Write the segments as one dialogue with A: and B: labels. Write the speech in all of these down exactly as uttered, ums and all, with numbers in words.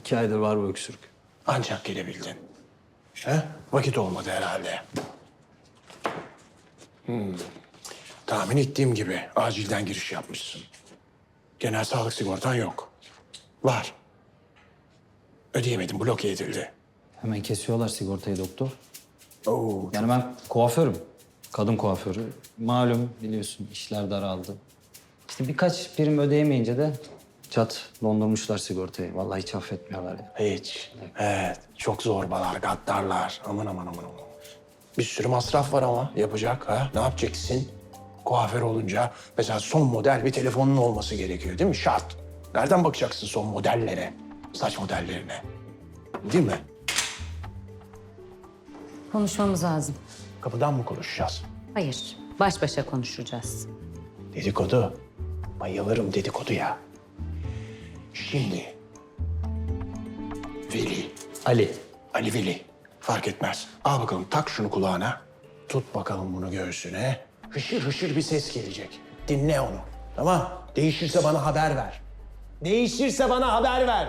A: İki aydır var bu öksürük.
B: Ancak gelebildin. He? Vakit olmadı herhalde. Hmm. Tahmin ettiğim gibi acilden giriş yapmışsın. Genel sağlık sigortan yok. Var. Ödeyemedim, bloke edildi.
A: Hemen kesiyorlar sigortayı doktor.
B: Oo,
A: Yani ben kuaförüm. Kadın kuaförü. Malum biliyorsun işler daraldı. İşte birkaç prim ödeyemeyince de çat dondurmuşlar sigortayı. Vallahi hiç affetmiyorlar ya.
B: hiç. Evet, çok zorbalar, gaddarlar. Aman aman aman aman. Bir sürü masraf var ama yapacak ha. Ne yapacaksın? Kuaför olunca mesela son model bir telefonun olması gerekiyor değil mi? Şart. Nereden bakacaksın son modellere? Saç modellerine. Değil mi?
C: Konuşmamız lazım.
B: Kapıdan mı konuşacağız?
C: Hayır, baş başa konuşacağız.
B: Dedikodu. Bayılırım dedikoduya. Şimdi Veli,
A: Ali.
B: Ali Veli. Fark etmez. Al bakalım tak şunu kulağına. Tut bakalım bunu göğsüne. Hışır hışır bir ses gelecek. Dinle onu. Tamam. Değişirse bana haber ver. Değişirse bana haber ver.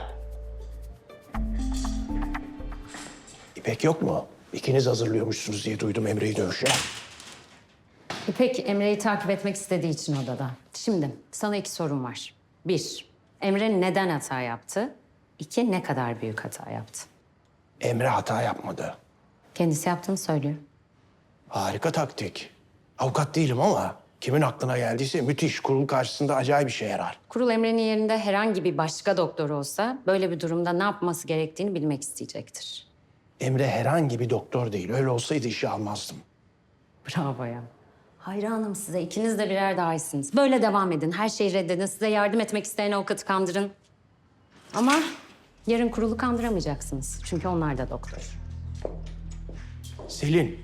B: İpek yok mu? İkiniz hazırlıyormuşsunuz diye duydum Emre'yi dövüşe.
C: İpek, Emre'yi takip etmek istediği için odada. Şimdi sana iki sorum var. Bir, Emre neden hata yaptı? İki, ne kadar büyük hata yaptı?
B: Emre hata yapmadı.
C: Kendisi yaptığını söylüyor.
B: Harika taktik. Avukat değilim ama kimin aklına geldiyse müthiş. Kurul karşısında acayip bir şey yarar.
C: Kurul Emre'nin yerinde herhangi bir başka doktor olsa böyle bir durumda ne yapması gerektiğini bilmek isteyecektir.
B: Emre herhangi bir doktor değil. Öyle olsaydı işi almazdım.
C: Bravo ya. Hayranım size. İkiniz de birer daha iyisiniz. Böyle devam edin. Her şeyi reddedin. Size yardım etmek isteyen avukatı kandırın. Ama yarın kurulu kandıramayacaksınız. Çünkü onlar da doktor.
B: Selin.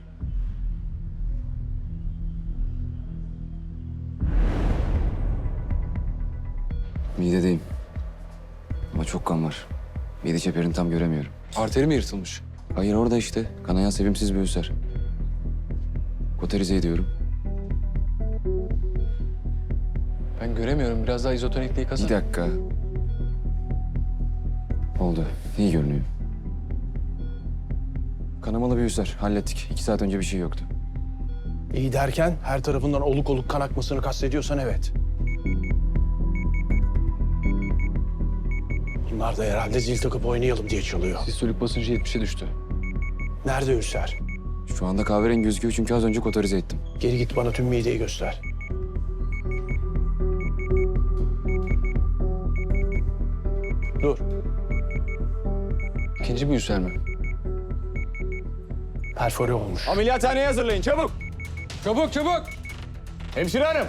D: Midedeyim. Ama çok kan var. Mide çeperini tam göremiyorum.
E: Arteri mi yırtılmış?
D: Hayır orada işte. Kanayan sevimsiz bir ülser. Koterize ediyorum.
E: Ben göremiyorum. Biraz daha izotonikle
D: Bir
E: yıkasana.
D: dakika. Oldu. İyi görünüyor. Kanamalı bir ülser. Hallettik. İki saat önce bir şey yoktu.
B: İyi derken her tarafından oluk oluk kan akmasını kastediyorsan evet. Bunlar da herhalde zil takıp oynayalım diye çalıyor.
E: Sistolik basıncı yetmişe düştü.
B: Nerede ülser?
D: Şu anda kahverengi gözüküyor çünkü az önce koterize ettim.
B: Geri git bana tüm mideyi göster. Dur.
E: İkinci bir ülser mi?
B: Perfore olmuş.
F: Ameliyathaneye hazırlayın çabuk.
E: Çabuk çabuk!
F: Hemşire hanım.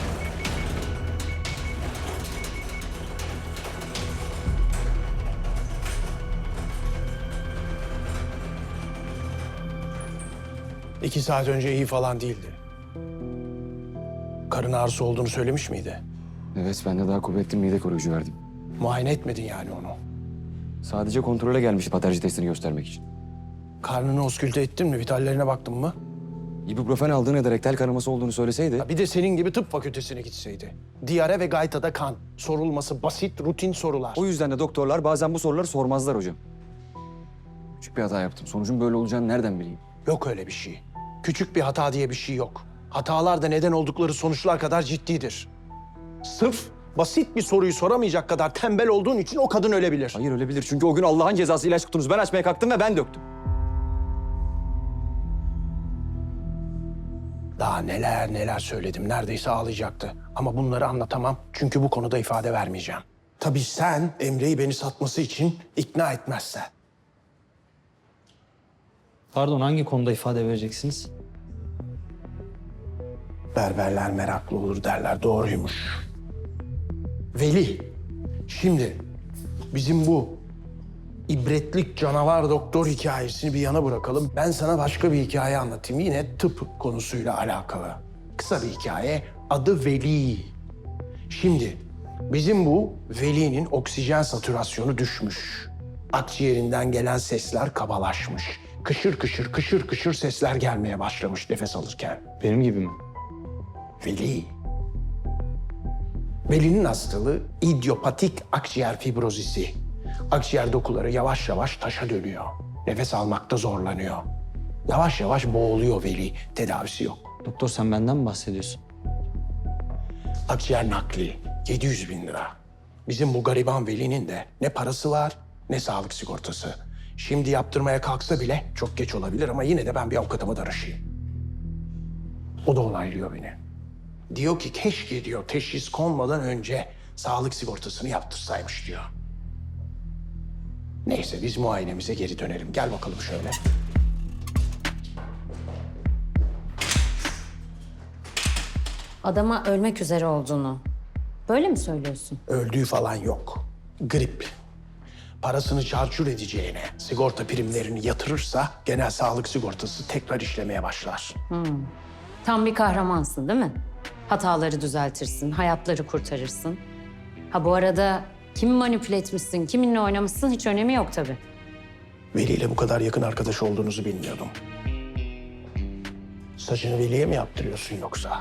B: İki saat önce iyi falan değildi. Karın ağrısı olduğunu söylemiş miydi?
D: Evet ben de daha kuvvetli mide koruyucu verdim.
B: Muayene etmedin yani onu.
D: Sadece kontrole gelmişti patoloji testini göstermek için.
B: Karnını oskülte ettin mi? Vitallerine baktın mı?
D: İbuprofen aldığını ederek tel kanaması olduğunu söyleseydi...
B: Bir de senin gibi tıp fakültesine gitseydi. Diyare ve gaytada kan. Sorulması basit, rutin sorular.
D: O yüzden de doktorlar bazen bu soruları sormazlar hocam. Küçük bir hata yaptım. Sonucun böyle olacağını nereden bileyim?
B: Yok öyle bir şey. Küçük bir hata diye bir şey yok. Hatalar da neden oldukları sonuçlar kadar ciddidir. Sırf basit bir soruyu soramayacak kadar tembel olduğun için o kadın ölebilir.
D: Hayır ölebilir. Çünkü o gün Allah'ın cezası ilaç kutunuzu ben açmaya kalktım ve ben döktüm.
B: Daha neler neler söyledim. Neredeyse ağlayacaktı. Ama bunları anlatamam. Çünkü bu konuda ifade vermeyeceğim. Tabii sen Emre'yi beni satması için ikna etmezsen.
A: Pardon hangi konuda ifade vereceksiniz?
B: Berberler meraklı olur derler. Doğruymuş. Veli, şimdi bizim bu ibretlik canavar doktor hikayesini bir yana bırakalım. Ben sana başka bir hikaye anlatayım. Yine tıp konusuyla alakalı. Kısa bir hikaye. Adı Veli. Şimdi bizim bu Veli'nin oksijen satürasyonu düşmüş. Akciğerinden gelen sesler kabalaşmış. Kışır kışır kışır kışır sesler gelmeye başlamış nefes alırken.
A: Benim gibi mi?
B: Veli. Veli'nin hastalığı idiopatik akciğer fibrozisi. Akciğer dokuları yavaş yavaş taşa dönüyor. Nefes almakta zorlanıyor. Yavaş yavaş boğuluyor Veli. Tedavisi yok.
A: Doktor sen benden mi bahsediyorsun?
B: Akciğer nakli yedi yüz bin lira. Bizim bu gariban Veli'nin de ne parası var ne sağlık sigortası. Şimdi yaptırmaya kalksa bile çok geç olabilir ama yine de ben bir avukatıma danışayım. O da onaylıyor beni. Diyor ki keşke diyor teşhis konmadan önce sağlık sigortasını yaptırsaymış diyor. Neyse biz muayenemize geri dönelim. Gel bakalım şöyle.
C: Adama ölmek üzere olduğunu böyle mi söylüyorsun?
B: Öldüğü falan yok. Grip. Parasını çarçur edeceğine sigorta primlerini yatırırsa genel sağlık sigortası tekrar işlemeye başlar.
C: Tam bir kahramansın değil mi? Hataları düzeltirsin, hayatları kurtarırsın. Ha bu arada kimi manipüle etmişsin, kiminle oynamışsın hiç önemi yok tabii.
B: Veli ile bu kadar yakın arkadaş olduğunuzu bilmiyordum. Saçını Veli'ye mi yaptırıyorsun yoksa?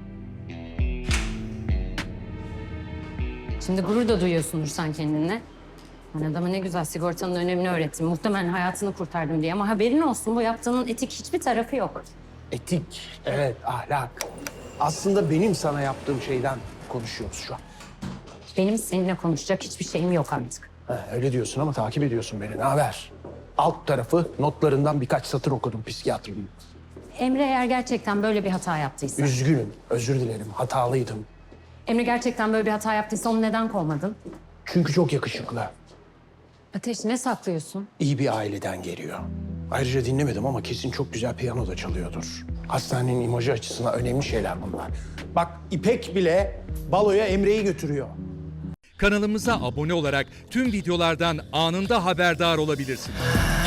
C: Şimdi gurur da duyuyorsundur sen kendinle. Ben adama ne güzel sigortanın önemini öğrettim. Muhtemelen hayatını kurtardım diye ama haberin olsun bu yaptığının etik hiçbir tarafı yok.
B: Etik, evet, ahlak. Aslında benim sana yaptığım şeyden konuşuyoruz şu an.
C: Benim seninle konuşacak hiçbir şeyim yok artık.
B: Ha, öyle diyorsun ama takip ediyorsun beni. Ne haber? Alt tarafı notlarından birkaç satır okudum psikiyatrının.
C: Emre eğer gerçekten böyle bir hata yaptıysa...
B: Üzgünüm, özür dilerim, hatalıydım.
C: Emre gerçekten böyle bir hata yaptıysa onu neden kovmadın?
B: Çünkü çok yakışıklı.
C: Ateş ne saklıyorsun?
B: İyi bir aileden geliyor. Ayrıca dinlemedim ama kesin çok güzel piyano da çalıyordur. Hastanenin imajı açısından önemli şeyler bunlar. Bak İpek bile baloya Emre'yi götürüyor.
G: Kanalımıza abone olarak tüm videolardan anında haberdar olabilirsiniz.